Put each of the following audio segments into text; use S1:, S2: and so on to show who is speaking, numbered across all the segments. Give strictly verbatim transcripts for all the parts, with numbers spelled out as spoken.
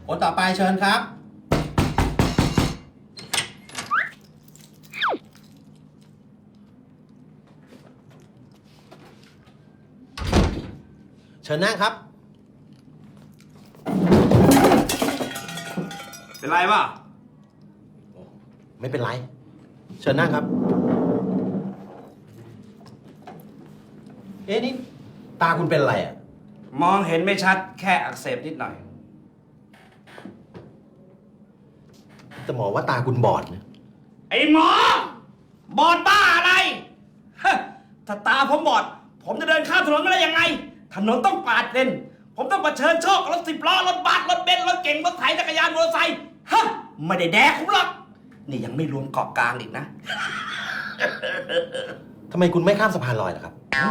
S1: คนต่อไปเชิญครับเชิญนั่งครับ
S2: เป็นไรป่ะ
S1: ไม่เป็นไรเชิญนั่งครับเอ๊ะนี่ตาคุณเป็นอะไรอ่ะ
S2: มองเห็นไม่ชัดแค่อักเสบนิดหน่อย
S1: แต่หมอว่าตาคุณบอดนะ
S2: ไอ้หมอบอดบ้าอะไรถ้าตาผมบอดผมจะเดินข้ามถนนไม่ได้ยังไงถนนต้องปาดเลนผมต้องเผชิญโชครถสิบล้อรถบัสรถเบนซ์รถเก๋งรถไถจักรยานมอเตอร์ไซค์ฮะไม่ได้แดกผมหรอกนี่ยังไม่รวมเกาะกลางอีกนะ
S1: ทำไมคุณไม่ข้ามสะพานลอยล่ะครับ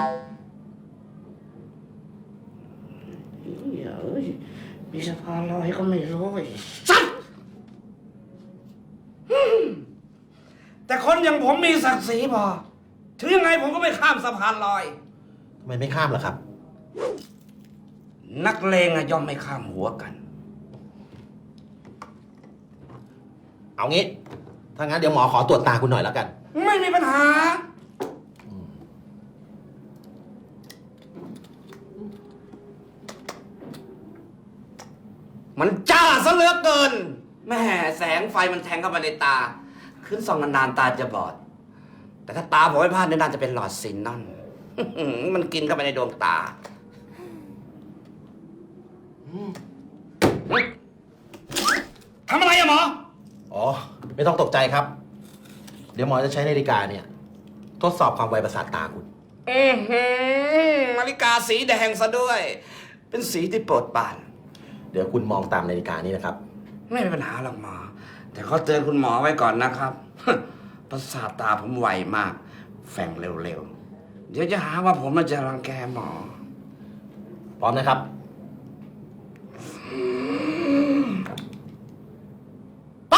S2: เดี๋ยวมีสะพานลอยก็ไม่รู้สัตว์แต่คนอย่างผมมีศักดิ์ศรีพอถึงยังไงผมก็ไม่ข้ามสะพานลอย
S1: ทำไมไม่ข้ามล่ะครับ
S2: นักเลงอะย่อมไม่ข้ามหัวกัน
S1: เอางี้ถ้างั้นเดี๋ยวหมอขอตรวจตาคุณหน่อยแล้วกัน
S2: ไม่มีปัญหามันจ้าซะเหลือเกินแม่แสงไฟมันแทงเข้ามาในตาขึ้นส่องนานๆตาจะบอดแต่ถ้าตาผมไม่พลาดเนี่ยน่าจะเป็นหลอดซินนอนมันกินเข้าไปในดวงตาทำอะไรอะหมอ
S1: อ๋อไม่ต้องตกใจครับ เดี๋ยวหมอจะใช้นาฬิกาเนี่ยทดสอบความไวประสาทตาคุณ
S2: อือหือนาฬิกาสีแดงซะด้วยเป็นสีที่โปรดปราน
S1: เดี๋ยวคุณมองตามนาฬิกานี้นะครับ
S2: ไม่มีปัญหาหรอกหมอแต่ขอเตือนคุณหมอไว้ก่อนนะครับประสาทตาผมไวมากแฝงเร็วๆเดี๋ยวจะหาว่าผมมาจะรังแกหมอ
S1: พร้อมนะครับ
S2: ไป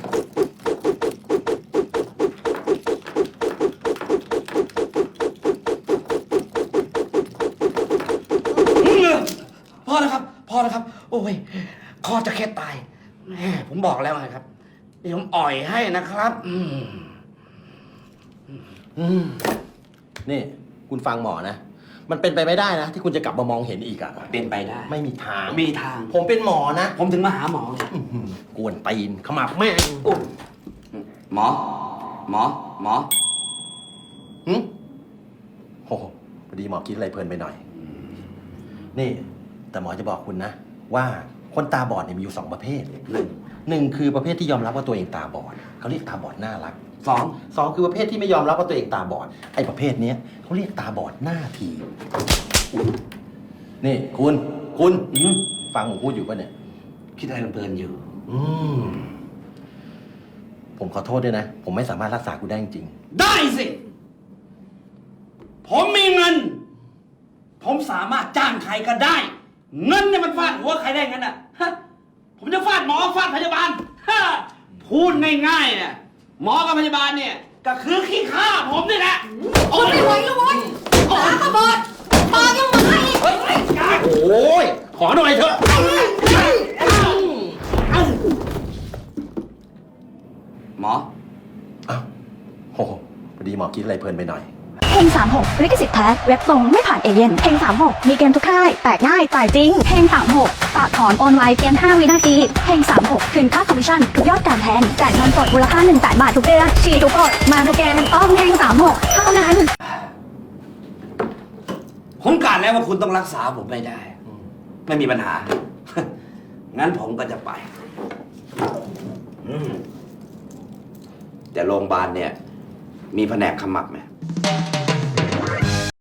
S2: พอแล้วครับพอแล้วครับโอ้ยคอจะแค่ตายแม่ผมบอกแล้วไงครับเดี๋ยวผมอ่อยให้นะครับอืม
S1: อืมนี่คุณฟังหมอนะมันเป็นไปไม่ได้นะที่คุณจะกลับมามองเห็นอีกอะ
S2: เป็นไปได้
S1: ไม่มีทาง
S2: มีทาง
S1: ผมเป็นหมอนะ
S2: ผมถึงมาหาหมอก
S1: วนตีนขมับแม่ง
S2: หมอหมอหมอ
S1: หืมโอ้พอดีหมอคิดอะไรเพลินไปหน่อยนี่แต่หมอจะบอกคุณนะว่าคนตาบอดเนี่ยมีอยู่สองประเภทหนึ่งหนึ่งคือประเภทที่ยอมรับว่าตัวเองตาบอดเขาเรียกตาบอดน่ารัก
S2: สอง
S1: สองคือประเภทที่ไม่ยอมรับว่าตัวเองตาบอดไอ้ประเภทนี้เขาเรียกตาบอดหน้าทีนี่คุณคุณฟังผมพูดอยู่ป่ะเนี่ย
S2: คิดอะไรเพลินอยู่
S1: อืมผมขอโทษด้วยนะผมไม่สามารถรักษาคุณได้จริง
S2: ได้สิผมมีเงินผมสามารถจ้างใครก็ได้เงินเนี่ยมันฟาดหัวใครได้งั้นอ่ะผมจะฟาดหมอฟาดพยาบาลพูดง่ายๆเนี่ยหมอกับพยาบาลเนี่ยก็คือขี้ข้าผมนี่แหละ
S3: โอ้ยไม่ไหวแล้วเว้ยตาขบอดตายังมาอีก
S1: โอ้ยขอหน่อยเถอะ
S2: หมอ
S1: อ้าวโหพอดีหมอคิดอะไรเพลินไปหน่อย
S4: เฮงสามหกลิขสิทธิ์แท้เว็บตรงไม่ผ่านเอเย่นเฮงสามหกมีเกมทุกค่ายแตกง่ายจ่ายจริงเฮงสามหกฝากถอนออนไลน์เพียงห้าวินาทีเฮงสามหกคืนค่าคอมมิชชั่นทุกยอดการแทงจ่ายเงินสดมูลค่าหนึ่งแสนบาททุกเดือนฉีดทุกกดมาทุกเกมต้องเฮงสามหกเท่านั้น
S2: ผมกะแล้วว่าคุณต้องรักษาผมไม่ได้ไม่มีปัญหางั้นผมก็จะไปแต่โรงพยาบาลเนี่ยมีแผนกขมับไหม